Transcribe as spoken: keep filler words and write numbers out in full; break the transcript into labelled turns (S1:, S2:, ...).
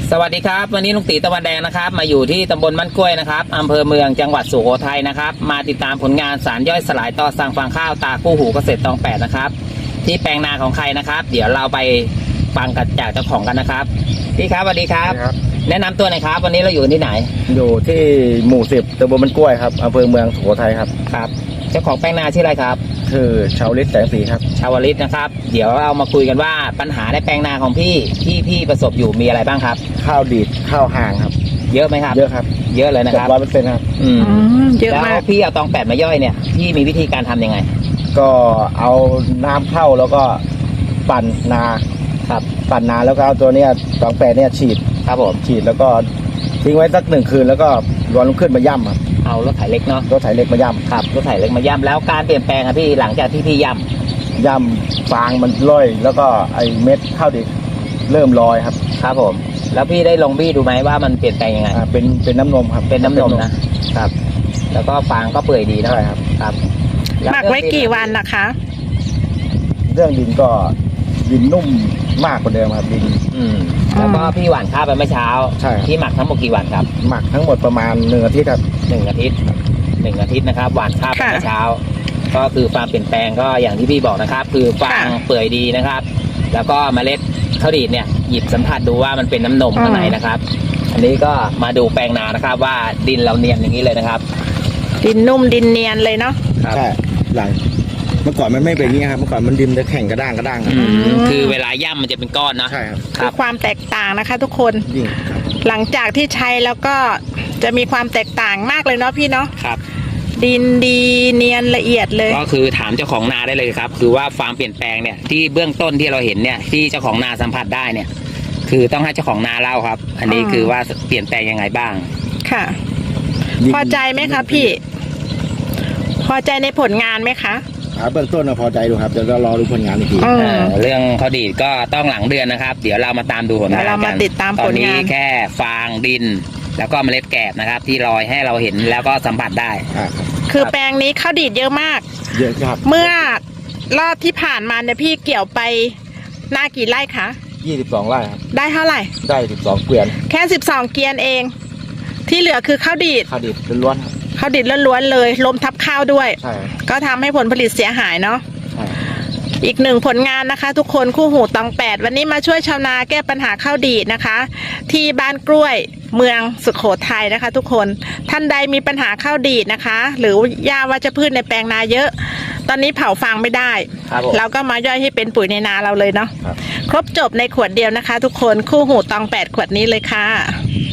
S1: สวัสดีครับวันนี้ลุงตีตะวันแดงนะครับมาอยู่ที่ตำบลมันกล้วยนะครับอำเภอเมืองจังหวัดสุโขทัยนะครับมาติดตามผลงานสารย่อยสลายต่อสั่งฟางข้าวตาคู่หูเกษตรตองแปดนะครับที่แปลงนาของใครนะครับเดี๋ยวเราไปฟังกันจากเจ้าของกันนะครับพี่ครับสวัสดีครับแนะนำตัวหน่อยครับวันนี้เราอยู่ที่ไหน
S2: อยู่ที่หมู่สิบตำบลมันกล้วยครับอำเภอเมืองสุโขทัยครับ
S1: ครับเจ้าของแปลงนาชื่ออะไรครับ
S2: คือชาวลิศแสงสีครับ
S1: ชาวลิศนะครับเดี๋ยวเรามาคุยกันว่าปัญหาในแปลงนาของพี่ที่พี่ประสบอยู่มีอะไรบ้างครับ
S2: ข้าวดีดข้าวห่างครับ
S1: เยอะไหมครับ
S2: เยอะครับ
S1: เยอะเลยนะครับ
S2: ร้อยเปอร์เซ็นต์ครับ
S1: อืมเยอะมากแล้วพี่เอาตองแปดมาย่อยเนี่ยพี่มีวิธีการทำยังไง
S2: ก็เอาน้ำเข้าแล้วก็ปั่นนา
S1: ครับ
S2: ปั่นนาแล้วก็เอาตัวเนี้ยตองแปดเนี่ยฉีด
S1: ครับผม
S2: ฉีดแล้วก็ทิ้งไว้สักหนึ่งคืนแล้วก็วันรุ่งขึ้นมาย่ำครับ
S1: เอารถไถเล็กเนาะ
S2: รถไถเล็กมาย่ำ
S1: ครับรถไถเล็กมาย่ำแล้วการเปลี่ยนแปลงครับพี่หลังจากที่พี่ย่
S2: ำย่ำฟางมันล่อยแล้วก็ไอเม็ดข้าวดิบเริ่มลอยครับ
S1: ครับผมแล้วพี่ได้ลงบี้ดูไหมว่ามันเปลี่ยนแปลงยังไง
S2: เป็นเป็นน้ำนมครับ
S1: เป็นน้ำนมนะครับแล้วก็ฟางก็เปื่อยดีนะ
S2: ใช่ครับ
S1: ครับ
S3: หมักไว้กี่วันนะคะ
S2: เรื่องดินก็ดินนุ่มมากกว่าเดิมครับดิน
S1: อืมแล้วก็พี่หว่านข้าวไปเมื่อเช้า
S2: ใช่
S1: พี่หมักทั้งหมดกี่วันครับ
S2: หมักทั้งหมดประมาณหนึ่งอาทิตย์ครับ
S1: หนึ่งอาทิตย์หนึ่งอาทิตย์นะครับหว่านข้าวไปเมื่อเช้าก็คือความเปลี่ยนแปลงก็อย่างที่พี่บอกนะครับคือฟางเปื่อยดีนะครับแล้วก็เมล็ดข้าวดีดเนี่ยหยิบสัมผัสดูว่ามันเป็นน้ำนมข้างในนะครับอันนี้ก็มาดูแปลงนานะครับว่าดินเราเนียนอย่างนี้เลยนะครับ
S3: ดินนุ่มดินเนียนเลยเนาะ
S2: ใช่หลังเมื่อก่อนมันไม่เป็นอย่างนี้ครับเมื่อก่อนมันดินจะแข็งกระด้างกระด้างครับ
S1: คือเวลาย่ำมันจะเป็นก้อนนะ
S2: ใช่ครับ
S3: คือความแตกต่างนะคะทุกคนหลังจากที่ใช้แล้วก็จะมีความแตกต่างมากเลยเนาะพี่เนาะ
S1: ครับ
S3: ดินดีเนียนละเอียดเลย
S1: ก็คือถามเจ้าของนาได้เลยครับคือว่าความเปลี่ยนแปลงเนี่ยที่เบื้องต้นที่เราเห็นเนี่ยที่เจ้าของนาสัมผัสได้เนี่ยคือต้องให้เจ้าของนาเล่าครับอันนี้คือว่าเปลี่ยนแปลงยังไงบ้าง
S3: ค่ะพอใจไหมคะพี่พอใจในผลงานไหมคะ
S2: เบื้องต้นเราพอใจดูครับเดี๋ยวเรารอดูผลงานอีกที
S1: เรื่องข้าวดีดก็ต้องหลังเดือนนะครับเดี๋ยวเรามาตามดูผลงานกัน
S3: เรามาติดตามผลงาน
S1: ตอนนี้แค่ฟางดินแล้วก็เมล็ดแกบนะครับที่ลอยให้เราเห็นแล้วก็สัมผัสได้
S3: คือแปลงนี้ข้าวดีดเยอะมาก
S2: เยอะครับ
S3: เมื่อรอบที่ผ่านมาเนี่ยพี่เกี่ยวไปหน้ากี่ไร่คะ
S2: ยี่สิบสองไร่ครับ
S3: ได้เท่าไหร่
S2: ได้สิบสองเกวียน
S3: แค่สิบสองเกวียนเองที่เหลือคือข้าวดีด
S2: ข้าวดีดล้วนครับ
S3: ข้าวดิบล้วนๆเลยลมทับข้าวด้วยก็ทำให้ผลผลิตเสียหายเนาะอีกหนึ่งผลงานนะคะทุกคนคู่หูตองแปดวันนี้มาช่วยชาวนาแก้ปัญหาข้าวดีดนะคะที่บ้านกล้วยเมืองสุโขทัยนะคะ ทุกคนท่านใดมีปัญหาข้าวดีดนะคะหรือหญ้าวัชพืชในแปลงนาเยอะตอนนี้เผาฟางไม่ได้เราก็มาย่อยให้เป็นปุ๋ยในนาเราเลยเนาะครบจบในขวดเดียวนะคะ ทุกคนคู่หูตองแปดขวดนี้เลยค่ะ